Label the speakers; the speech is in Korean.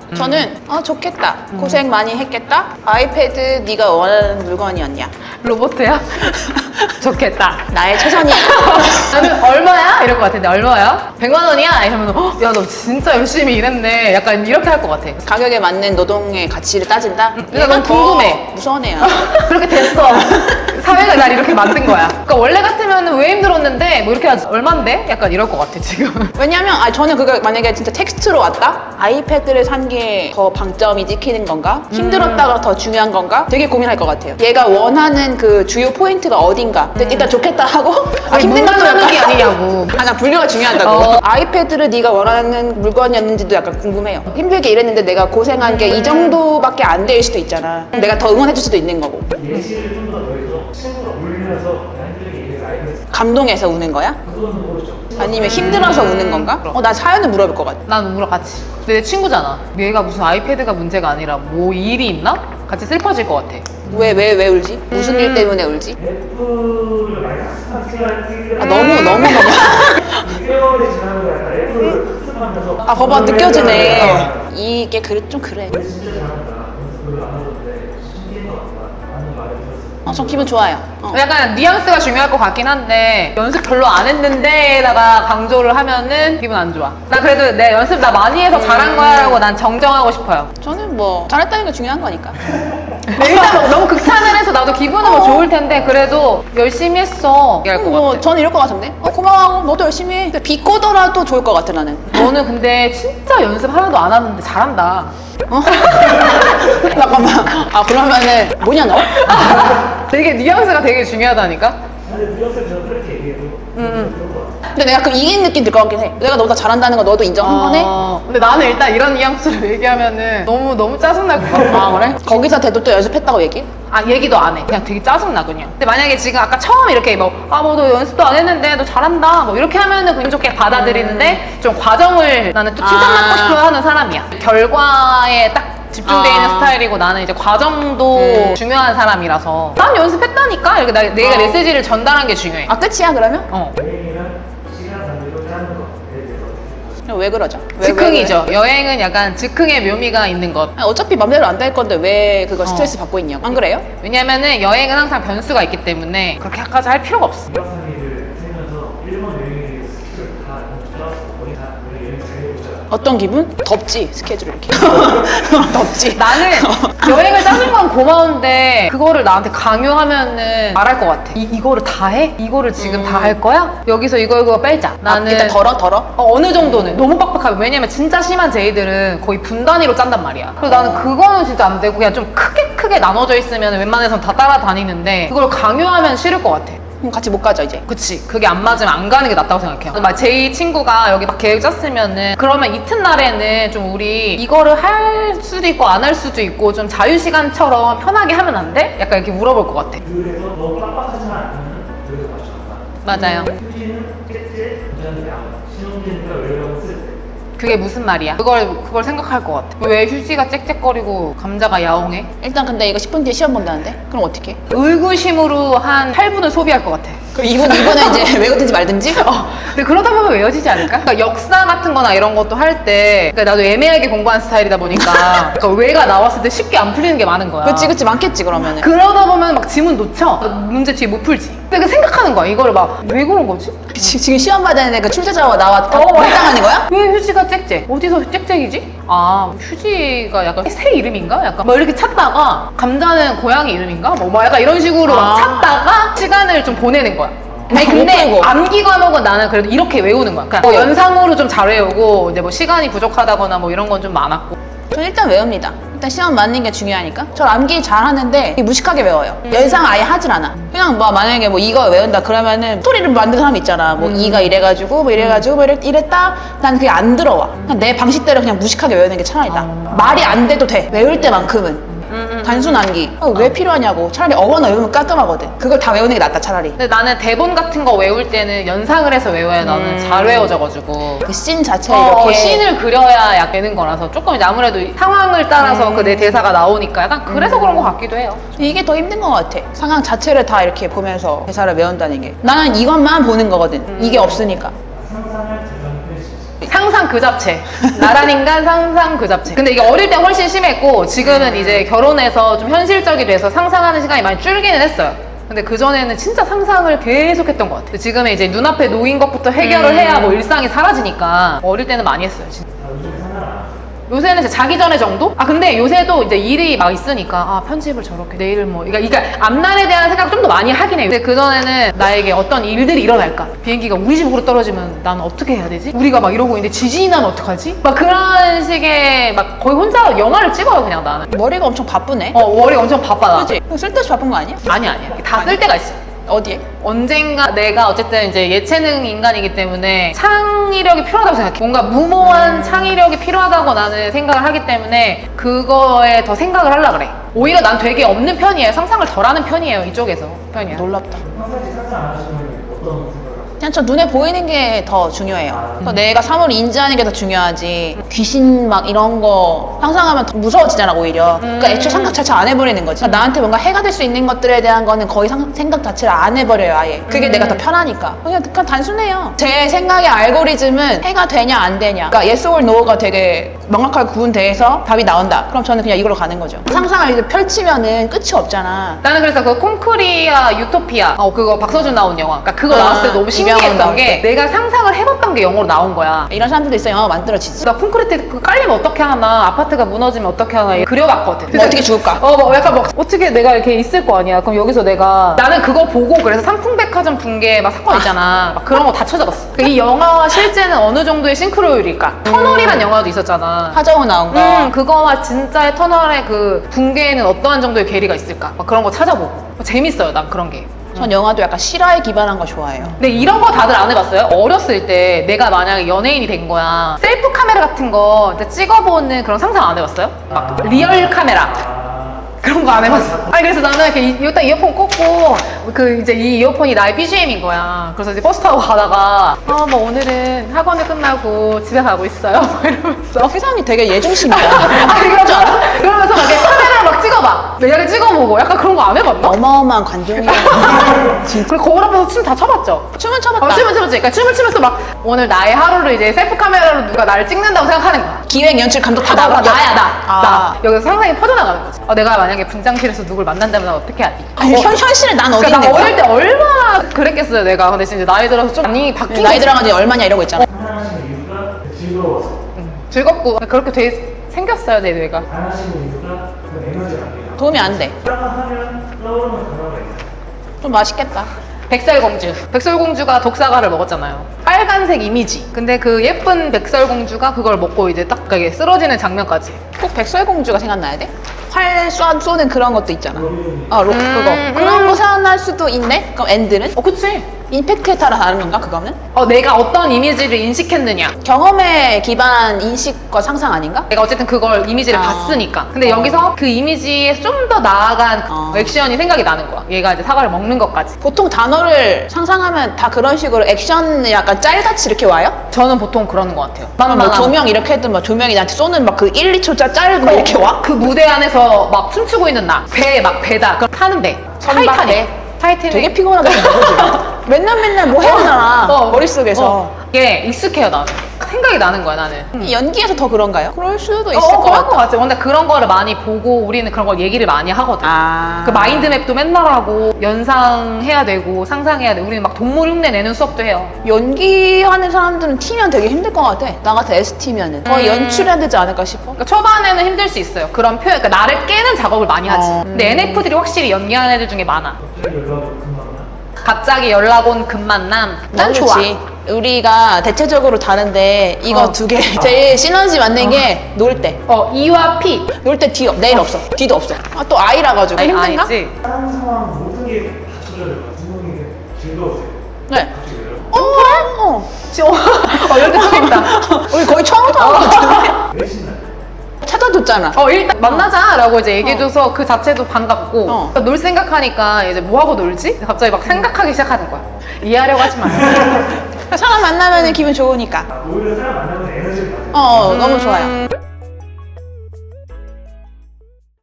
Speaker 1: 저는 좋겠다. 고생 많이 했겠다. 아이패드 네가 원하는 물건이었냐?
Speaker 2: 로봇이야? 좋겠다.
Speaker 1: 나의 최선이야.
Speaker 2: 나는 얼마야? 이럴 것 같은데 얼마야? 100만 원이야? 이러면 야 너 진짜 열심히 일했네. 약간 이렇게 할 것 같아.
Speaker 1: 가격에 맞는 노동의 가치를 따진다?
Speaker 2: 내가 너무 궁금해.
Speaker 1: 무서운 애야.
Speaker 2: 그렇게 됐어. 사회가 날 이렇게 만든 거야. 그러니까 원래 같으면 왜 힘들었는데 뭐 이렇게 하지 얼만데? 약간 이럴 것 같아 지금.
Speaker 1: 왜냐면 저는 그거 만약에 진짜 텍스트로 왔다? 아이패드를 산 게 더 방점이 찍히는 건가? 힘들었다가 더 중요한 건가? 되게 고민할 것 같아요. 얘가 원하는 그 주요 포인트가 어딘가? 근데 일단 좋겠다 하고 힘든 것도
Speaker 2: 하는 게 아니냐고.
Speaker 1: 나 분류가 중요하다고. 아이패드를 네가 원하는 물건이었는지도 약간 궁금해요. 힘들게 일했는데 내가 고생한 게 이 정도밖에 안 될 수도 있잖아. 내가 더 응원해줄 수도 있는 거고.
Speaker 3: 예시를 좀 더 더해서 친구가 울면서 힘들게 일해서 아이패드
Speaker 1: 감동해서 우는 거야?
Speaker 3: 그거는 모르죠.
Speaker 1: 아니면 힘들어서 우는 건가? 나 사연을 물어볼 것 같아.
Speaker 2: 난 울어 같이. 근데 내 친구잖아. 얘가 무슨 아이패드가 문제가 아니라 뭐 일이 있나? 같이 슬퍼질 것 같아.
Speaker 1: 왜 울지? 무슨 일 때문에 울지?
Speaker 3: 애플을 많이 학습하는
Speaker 1: 너무
Speaker 3: 6개월이 지나면 약간 애플을 학습하면서
Speaker 1: 봐봐 느껴지네. 이게 좀 그래.
Speaker 3: 진짜 잘한다. 연습을 안 하던데 신기한 것 같다. 라는 말을 들었어요.
Speaker 1: 저 기분 좋아요.
Speaker 2: 약간 뉘앙스가 중요할 것 같긴 한데 연습 별로 안 했는데다가 강조를 하면은 기분 안 좋아. 나 그래도 내 연습 나 많이 해서 잘한 거야 라고 난 정정하고 싶어요.
Speaker 1: 저는 뭐 잘했다는 게 중요한 거니까.
Speaker 2: 일단 뭐 너무 극찬을 해서 나도 기분은 뭐 좋을 텐데 그래도 열심히 했어 이럴 것 같아.
Speaker 1: 저는 이럴 것 같은데. 고마워. 너도 열심히 해. 근데 비꼬더라도 좋을 것 같아 나는.
Speaker 2: 너는 근데 진짜 연습 하나도 안 하는데 잘한다.
Speaker 1: 잠깐만. 그러면은 뭐냐 너?
Speaker 2: 되게 뉘앙스가 되게 중요하다니까.
Speaker 3: 근데 무역쌤 저 그렇게 얘기해도 그런 거 같아요.
Speaker 1: 근데 내가 그 이긴 느낌 들 것 같긴 해. 내가 너보다 잘한다는 거 너도 인정 한 번에?
Speaker 2: 근데 나는 일단 이런 뉘앙스로 얘기하면은 너무 짜증날 것 같아.
Speaker 1: 그래? 거기서 대도 또 연습했다고 얘기해?
Speaker 2: 얘기도 안 해. 그냥 되게 짜증나 그냥. 근데 만약에 지금 아까 처음 이렇게 뭐 너 연습도 안 했는데 너 잘한다 뭐 이렇게 하면은 기분 좋게 받아들이는데 좀 과정을 나는 또 칭찬받고 싶어 하는 사람이야. 결과에 딱 집중돼 있는 스타일이고 나는 이제 과정도 중요한 사람이라서 난 연습했다니까 이렇게 내가 메시지를 전달한 게 중요해.
Speaker 1: 끝이야 그러면?
Speaker 3: 여행이랑 시간 단위로 짜는 거에 대해서 어떻게 생각하세요?
Speaker 1: 왜 그러죠?
Speaker 2: 즉흥이죠. 여행은 약간 즉흥의 묘미가 있는 것.
Speaker 1: 어차피 맘대로 안 될 건데 왜 그거 스트레스 받고 있냐고. 안 그래요?
Speaker 2: 왜냐면은 여행은 항상 변수가 있기 때문에 그렇게까지 할 필요가 없어.
Speaker 3: 2박 3일을 세면서 일본 여행의 스킬을 다 짜서 거의 다 우리 여행 잘 해보자.
Speaker 1: 어떤 기분? 덥지 스케줄 이렇게. 덥지.
Speaker 2: 나는 여행을 짜는 건 고마운데 그거를 나한테 강요하면은 말할 것 같아. 이거를 다 해? 이거를 지금 다 할 거야? 여기서 이거 빼자. 나는
Speaker 1: 일단 덜어?
Speaker 2: 어느 정도는 너무 빡빡하면 왜냐면 진짜 심한 제이들은 거의 분 단위로 짠단 말이야. 그래서 나는 그거는 진짜 안 되고 그냥 좀 크게 나눠져 있으면 웬만해선 다 따라다니는데 그걸 강요하면 싫을 것 같아.
Speaker 1: 그럼 같이 못 가죠 이제.
Speaker 2: 그치. 그게 안 맞으면 안 가는 게 낫다고 생각해요. 막 제이 친구가 여기 막 계획 짰으면은 그러면 이튿날에는 좀 우리 이거를 할 수도 있고 안 할 수도 있고 좀 자유시간처럼 편하게 하면 안 돼? 약간 이렇게 물어볼 것 같아.
Speaker 3: 그래서 너무 빡빡하지만 않으면 그래도 맞춰간다.
Speaker 2: 맞아요.
Speaker 3: 휴지는 깨째, 운전은 양. 신혼기니까 외로운 쓸 때.
Speaker 2: 그게 무슨 말이야? 그걸 생각할 것 같아. 왜 휴지가 จ๊екจ๊ек거리고 감자가 야옹해?
Speaker 1: 일단 근데 이거 10분 뒤에 시험 본다는데? 그럼 어떻게?
Speaker 2: 의구심으로 한 8분을 소비할 것 같아.
Speaker 1: 그럼 이분은 이제 외우든지 말든지?
Speaker 2: 근데 그러다 보면 외워지지 않을까? 그러니까 역사 같은 거나 이런 것도 할 때 그러니까 나도 애매하게 공부한 스타일이다 보니까 그러니까 외가 나왔을 때 쉽게 안 풀리는 게 많은 거야.
Speaker 1: 그치 많겠지 그러면은.
Speaker 2: 그러다 보면 막 지문 놓쳐. 문제 뒤에 못 풀지. 근데 그 생각하는 거야. 이거를 막 왜 그런 거지?
Speaker 1: 지금 시험 받는 애그 출제자와 나와 할당하는 거야?
Speaker 2: 왜 휴지가 짹짹? 어디서 짹짹이지? 휴지가 약간 새 이름인가? 약간 뭐 이렇게 찾다가 감자는 고양이 이름인가? 뭐 약간 이런 식으로 막 찾다가 시간을 좀 보내는 거야. 아니
Speaker 1: 못
Speaker 2: 근데
Speaker 1: 풀고.
Speaker 2: 암기 과목은 나는 그래도 이렇게 외우는 거야. 그러니까 뭐 연상으로 좀 잘 외우고 이제 뭐 시간이 부족하다거나 뭐 이런 건 좀 많았고.
Speaker 1: 전 일단 외웁니다. 일단 시험 맞는 게 중요하니까. 저 암기 잘 하는데 무식하게 외워요. 연상 아예 하질 않아. 그냥 뭐 만약에 뭐 이거 외운다 그러면은 스토리를 만드는 사람 있잖아. 뭐 이가 이래가지고 뭐 이랬다. 난 그게 안 들어와. 그냥 내 방식대로 그냥 무식하게 외우는 게 차라리 나. 말이 안 돼도 돼. 외울 때만큼은. 단순 암기. 왜 필요하냐고. 차라리 어거나 외우면 깔끔하거든. 그걸 다 외우는 게 낫다 차라리.
Speaker 2: 근데 나는 대본 같은 거 외울 때는 연상을 해서 외워야 나는 잘 외워져가지고.
Speaker 1: 그 씬 자체에 이렇게
Speaker 2: 씬을 그려야 약 되는 거라서 조금 이제 아무래도 상황을 따라서 그 내 대사가 나오니까 약간 그래서 그런 것 같기도 해요.
Speaker 1: 이게 더 힘든 것 같아. 상황 자체를 다 이렇게 보면서 대사를 외운다는 게. 나는 이것만 보는 거거든. 이게 없으니까.
Speaker 3: 상상할 재정 표시.
Speaker 2: 상상 그 잡채. 나란 인간 상상 그 잡채. 근데 이게 어릴 때 훨씬 심했고 지금은 이제 결혼해서 좀 현실적이 돼서 상상하는 시간이 많이 줄기는 했어요. 근데 그전에는 진짜 상상을 계속 했던 것 같아요. 지금은 이제 눈앞에 놓인 것부터 해결을 해야 뭐 일상이 사라지니까 어릴 때는 많이 했어요, 진짜.
Speaker 3: 요즘에 상관 안 하죠.
Speaker 2: 요새는 이제 자기 전에 정도? 아 근데 요새도 이제 일이 막 있으니까 아 편집을 저렇게 내일 뭐 그러니까 앞날에 대한 생각 좀 더 많이 하긴 해요. 근데 그전에는 나에게 어떤 일들이 일어날까? 비행기가 우리 집으로 떨어지면 나는 어떻게 해야 되지? 우리가 막 이러고 있는데 지진이 나면 어떡하지? 막 그런 식의 막 거의 혼자 영화를 찍어요 그냥 나는.
Speaker 1: 머리가 엄청 바쁘네.
Speaker 2: 머리가 엄청 바빠 나.
Speaker 1: 그치? 쓸데없이 바쁜 거 아니야?
Speaker 2: 아니야 다 쓸 때가 있어.
Speaker 1: 어디에?
Speaker 2: 언젠가 내가 어쨌든 이제 예체능 인간이기 때문에 창의력이 필요하다고 생각해. 뭔가 무모한 창의력이 필요하다고 나는 생각을 하기 때문에 그거에 더 생각을 하려고 그래. 오히려 난 되게 없는 편이에요. 상상을 덜 하는 편이에요. 이쪽에서 편이야.
Speaker 1: 놀랍다.
Speaker 3: 평상시 상상 안 하시면 어떤 생각을 하세요?
Speaker 1: 그냥 저 눈에 보이는 게 더 중요해요. 그래서 내가 사물을 인지하는 게 더 중요하지. 귀신 막 이런 거 상상하면 더 무서워지잖아 오히려. 그러니까 애초에 생각 자체를 안 해버리는 거지. 그러니까 나한테 뭔가 해가 될 수 있는 것들에 대한 거는 거의 생각 자체를 안 해버려요 아예. 그게 내가 더 편하니까. 그냥 단순해요. 제 생각의 알고리즘은 해가 되냐 안 되냐. 그러니까 yes or no가 되게 명확하게 구분돼서 답이 나온다. 그럼 저는 그냥 이걸로 가는 거죠. 상상을 이렇게 펼치면은 끝이 없잖아.
Speaker 2: 나는 그래서 그 콘크리아 유토피아 그거 박서준 나온 영화 그러니까 그거
Speaker 1: 아,
Speaker 2: 나왔을 때 너무
Speaker 1: 이병헌
Speaker 2: 신기했던
Speaker 1: 나올
Speaker 2: 게
Speaker 1: 때.
Speaker 2: 내가 상상을 해봤던 게 영어로 나온 거야.
Speaker 1: 이런 사람들도 있어 영화가 만들어지지.
Speaker 2: 나 콘크리트 그 깔리면 어떻게 하나 아파트가 무너지면 어떻게 하나 그려봤거든.
Speaker 1: 뭐 어떻게 죽을까?
Speaker 2: 뭐 약간 막 어떻게 내가 이렇게 있을 거 아니야. 그럼 여기서 내가 나는 그거 보고 그래서 삼풍백화점 붕괴 막 사건 있잖아. 막 그런 거 다 찾아봤어. 이 영화와 실제는 어느 정도의 싱크로율일까? 터널이란 영화도 있었잖아.
Speaker 1: 하정우 나온 거.
Speaker 2: 그거와 진짜의 터널의 그 붕괴에는 어떠한 정도의 괴리가 있을까? 막 그런 거 찾아보고 재밌어요. 난 그런 게.
Speaker 1: 전 영화도 약간 실화에 기반한 거 좋아해요.
Speaker 2: 근데 이런 거 다들 안 해봤어요? 어렸을 때 내가 만약에 연예인이 된 거야. 셀프 카메라 같은 거 찍어보는 그런 상상 안 해봤어요? 막 리얼 카메라. 그런 거 안 해봤어. 아니 그래서 나는 이렇게 일단 이어폰 꽂고 그 이제 이 이어폰이 나의 BGM인 거야. 그래서 이제 버스 타고 가다가 뭐 오늘은 학원을 끝나고 집에 가고 있어요. 막 이러면서.
Speaker 1: 세상이 되게 예중심이야.
Speaker 2: 그러면서 막 이렇게 카메라를 막 찍어봐. 내가 찍어보고 약간 그런 거 안 해봤나?
Speaker 1: 어마어마한 관종이야.
Speaker 2: 그리고 거울 앞에서 춤 다 춰봤죠?
Speaker 1: 춤은 춰봤다.
Speaker 2: 춤을 춰봤지. 그러니까 춤을 추면서 막 오늘 나의 하루를 이제 셀프 카메라로 누가 나를 찍는다고 생각하는 거야.
Speaker 1: 기획, 연출, 감독 다
Speaker 2: 나야
Speaker 1: 아.
Speaker 2: 나 여기서 상상이 퍼져나가는 거지. 내가 만약에 분장실에서 누굴 만난다면 난 어떻게 하지?
Speaker 1: 아니, 현실에 난 어디
Speaker 2: 그러니까
Speaker 1: 있는
Speaker 2: 나
Speaker 1: 거야?
Speaker 2: 어릴 때 얼마나 그랬겠어요 내가. 근데 진짜 나이 들어서 좀 많이 바뀐
Speaker 1: 나이
Speaker 2: 거지.
Speaker 1: 들어가지고 얼마냐 이러고 있잖아.
Speaker 3: 상상하시는 이유가 즐거워서.
Speaker 2: 즐겁고 그렇게 돼 생겼어요 내 뇌가.
Speaker 3: 상상하시는 이유가 그 에너지가 안 돼요.
Speaker 1: 도움이 안 돼.
Speaker 3: 하면 떠오르는 단어가 있어요.
Speaker 1: 좀 맛있겠다.
Speaker 2: 백설공주. 백설공주가 독사과를 먹었잖아요. 빨간색 이미지. 근데 그 예쁜 백설공주가 그걸 먹고 이제 딱 이게 쓰러지는 장면까지.
Speaker 1: 꼭 백설공주가 생각나야 돼? 활 쏘는 그런 것도 있잖아. 그거.
Speaker 2: 음.
Speaker 1: 그런 거 생각날 수도 있네? 그럼 엔드는?
Speaker 2: 그치.
Speaker 1: 임팩트에 따라 다른 건가, 그거는?
Speaker 2: 내가 어떤 이미지를 인식했느냐.
Speaker 1: 경험에 기반한 인식과 상상 아닌가?
Speaker 2: 내가 어쨌든 그걸 이미지를 봤으니까. 근데 여기서 그 이미지에서 좀 더 나아간 액션이 생각이 나는 거야. 얘가 이제 사과를 먹는 것까지.
Speaker 1: 보통 단어를 상상하면 다 그런 식으로 액션 약간 짤같이 이렇게 와요?
Speaker 2: 저는 보통 그러는 것 같아요.
Speaker 1: 뭐 조명 이렇게 했든 뭐 조명이 나한테 쏘는 막 그 1, 2초짜 짤 막 이렇게 와?
Speaker 2: 그 무대 안에서 막 춤추고 있는 나. 배다. 그럼 타는 배.
Speaker 1: 선박배.
Speaker 2: 타이타닉.
Speaker 1: 되게 피곤하게 생겼지. 맨날 뭐 해오잖아. 머릿속에서.
Speaker 2: 이게 익숙해요 나는. 생각이 나는 거야 나는.
Speaker 1: 연기에서 더 그런가요? 그럴 수도 있을 것
Speaker 2: 그런 거
Speaker 1: 같아.
Speaker 2: 같아. 근데 그런 거를 많이 보고 우리는 그런 걸 얘기를 많이 하거든.
Speaker 1: 아.
Speaker 2: 그 마인드맵도 맨날 하고 연상해야 되고 상상해야 돼. 우리는 막 동물 흉내 내는 수업도 해요.
Speaker 1: 연기하는 사람들은 T면 되게 힘들 것 같아. 나 같은 ST면은. 거의 연출해야 되지 않을까 싶어.
Speaker 2: 그러니까 초반에는 힘들 수 있어요. 그런 표현, 그러니까 나를 깨는 작업을 많이 하지. 근데 NF들이 확실히 연기하는 애들 중에 많아.
Speaker 3: 갑자기 연락이 금방 나?
Speaker 2: 갑자기 연락 온 금만남.
Speaker 1: 난
Speaker 2: 좋아.
Speaker 1: 좋지. 우리가 대체적으로 다른데 이거 두 개 제일 시너지 맞는 게 놀 때.
Speaker 2: E와 P.
Speaker 1: 놀 때 D 내일 없어. D도 없어. 또 I라 가지고 힘든가?
Speaker 2: 아니지.
Speaker 3: 다른 상황 모든 게 다 조절돼요. 구멍이 즐거우세요.
Speaker 1: 네.
Speaker 3: 갑자기 연락.
Speaker 2: 이럴 때 처음이다.
Speaker 1: 우리 거의 처음부터 하는 것 같은데?
Speaker 3: 왜 신나요?
Speaker 1: 찾아줬잖아.
Speaker 2: 일단 만나자라고 이제 얘기해줘서 그 자체도 반갑고 그러니까 놀 생각하니까 이제 뭐 하고 놀지? 갑자기 막 생각하기 시작하는 거야. 이해하려고 하지 마요.
Speaker 1: 사람 만나면 기분 좋으니까.
Speaker 3: 오히려 사람 만나면 에너지를 받아요.
Speaker 1: 너무 좋아요.